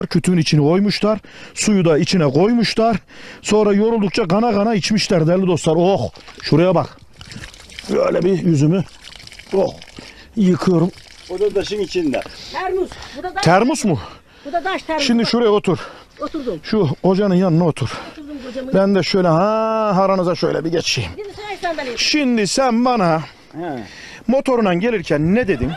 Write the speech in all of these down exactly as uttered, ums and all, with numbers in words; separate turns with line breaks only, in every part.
Kütüğün içine koymuşlar. Suyu da içine koymuşlar. Sonra yoruldukça kana kana içmişler değerli dostlar. Oh, şuraya bak. Böyle bir yüzümü oh yıkıyorum.
O da taşın içinde.
Termos. Bu da taş.
Termos mu?
Bu da taş termos.
Şimdi şuraya otur.
Oturdum.
Şu hocanın yanına otur.
Oturdum kocamın.
Ben de şöyle ha aranıza şöyle bir geçeyim.
Şimdi sen sandalye.
Şimdi sen bana
He.
motorundan gelirken ne dedin?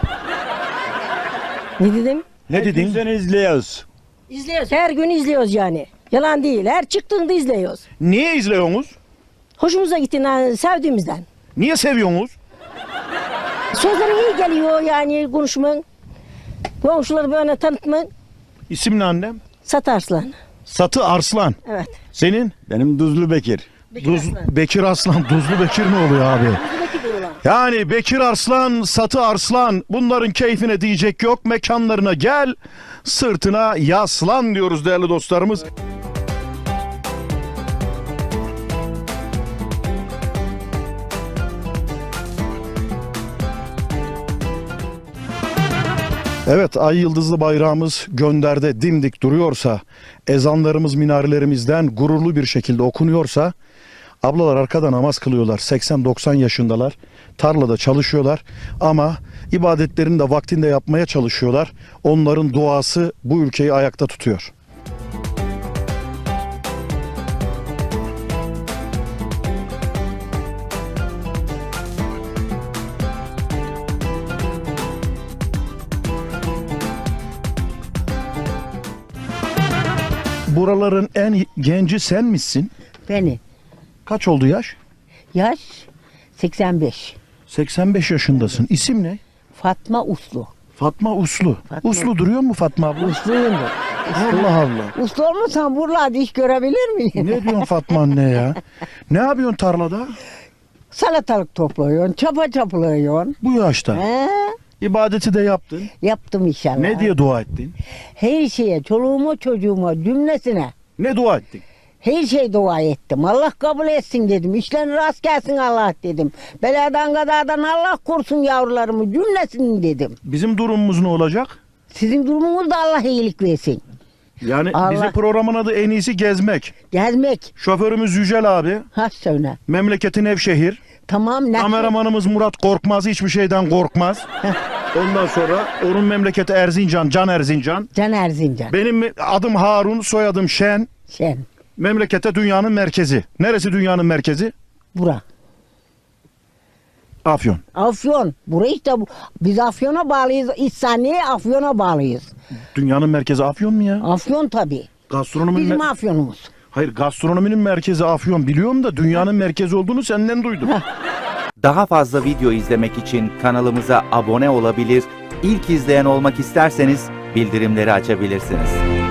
Ne dedim?
Ne dedin?
Seni izliyoruz.
İzliyoruz. Her gün izliyoruz yani. Yalan değil. Her çıktığında izliyoruz.
Niye izliyorsunuz?
Hoşumuza gittiğinden, sevdiğimizden.
Niye seviyorsunuz?
Sözlerin iyi geliyor yani konuşman. Komşuları böyle tanıtman.
İsim ne annem?
Satarslan.
Satı Arslan.
Evet.
Senin?
Benim Duzlu Bekir.
Duz, Bekir Arslan. Duzlu Bekir mi oluyor abi?
Buradaki diyorlar.
Yani Bekir Arslan, Satı Arslan, bunların keyfine diyecek yok. Mekanlarına gel, sırtına yaslan diyoruz değerli dostlarımız. Evet, ay yıldızlı bayrağımız gönderde dimdik duruyorsa, ezanlarımız minarelerimizden gururlu bir şekilde okunuyorsa, ablalar arkada namaz kılıyorlar, seksen doksan yaşındalar, tarlada çalışıyorlar ama ibadetlerini de vaktinde yapmaya çalışıyorlar. Onların duası bu ülkeyi ayakta tutuyor. Buraların en genci sen misin?
Beni.
Kaç oldu yaş?
Yaş seksen beş.
seksen beş yaşındasın. İsim ne?
Fatma Uslu.
Fatma Uslu.
Fatma.
Uslu duruyor mu Fatma abla?
Usluyumdur.
Allah Allah.
Uslu olmasan buralarda iş görebilir miyim?
Ne diyorsun Fatma anne ya? Ne yapıyorsun tarlada?
Salatalık topluyorsun, çapa çapalıyorsun.
Bu yaşta.
He?
İbadeti de yaptın.
Yaptım inşallah.
Ne diye dua ettin?
Her şeye, çoluğuma çocuğuma, cümlesine.
Ne dua ettin?
Her şey dua ettim. Allah kabul etsin dedim. İşlerin rast gelsin Allah dedim. Beladan kazadan Allah korusun yavrularımı cümlesini dedim.
Bizim durumumuz ne olacak?
Sizin durumunuz da Allah iyilik versin.
Yani
Allah-
bizim programın adı en iyisi gezmek.
Gezmek.
Şoförümüz Yücel abi.
Ha söyle.
Memleketi Nevşehir.
Tamam. Ne?
Kameramanımız Murat Korkmaz. Hiçbir şeyden korkmaz. Ondan sonra onun memleketi Erzincan. Can Erzincan.
Can Erzincan.
Benim adım Harun. Soyadım Şen.
Sen.
Memlekete dünyanın merkezi. Neresi dünyanın merkezi?
Bura.
Afyon.
Afyon. Burayı işte bu. Biz Afyon'a bağlıyız. İhsaniye Afyon'a bağlıyız.
Dünyanın merkezi Afyon mu ya?
Afyon tabii.
Gastronominin
Bizim
mer-
Afyon'umuz.
Hayır, gastronominin merkezi Afyon biliyorum da dünyanın merkezi olduğunu senden duydum.
Daha fazla video izlemek için kanalımıza abone olabilir, ilk izleyen olmak isterseniz bildirimleri açabilirsiniz.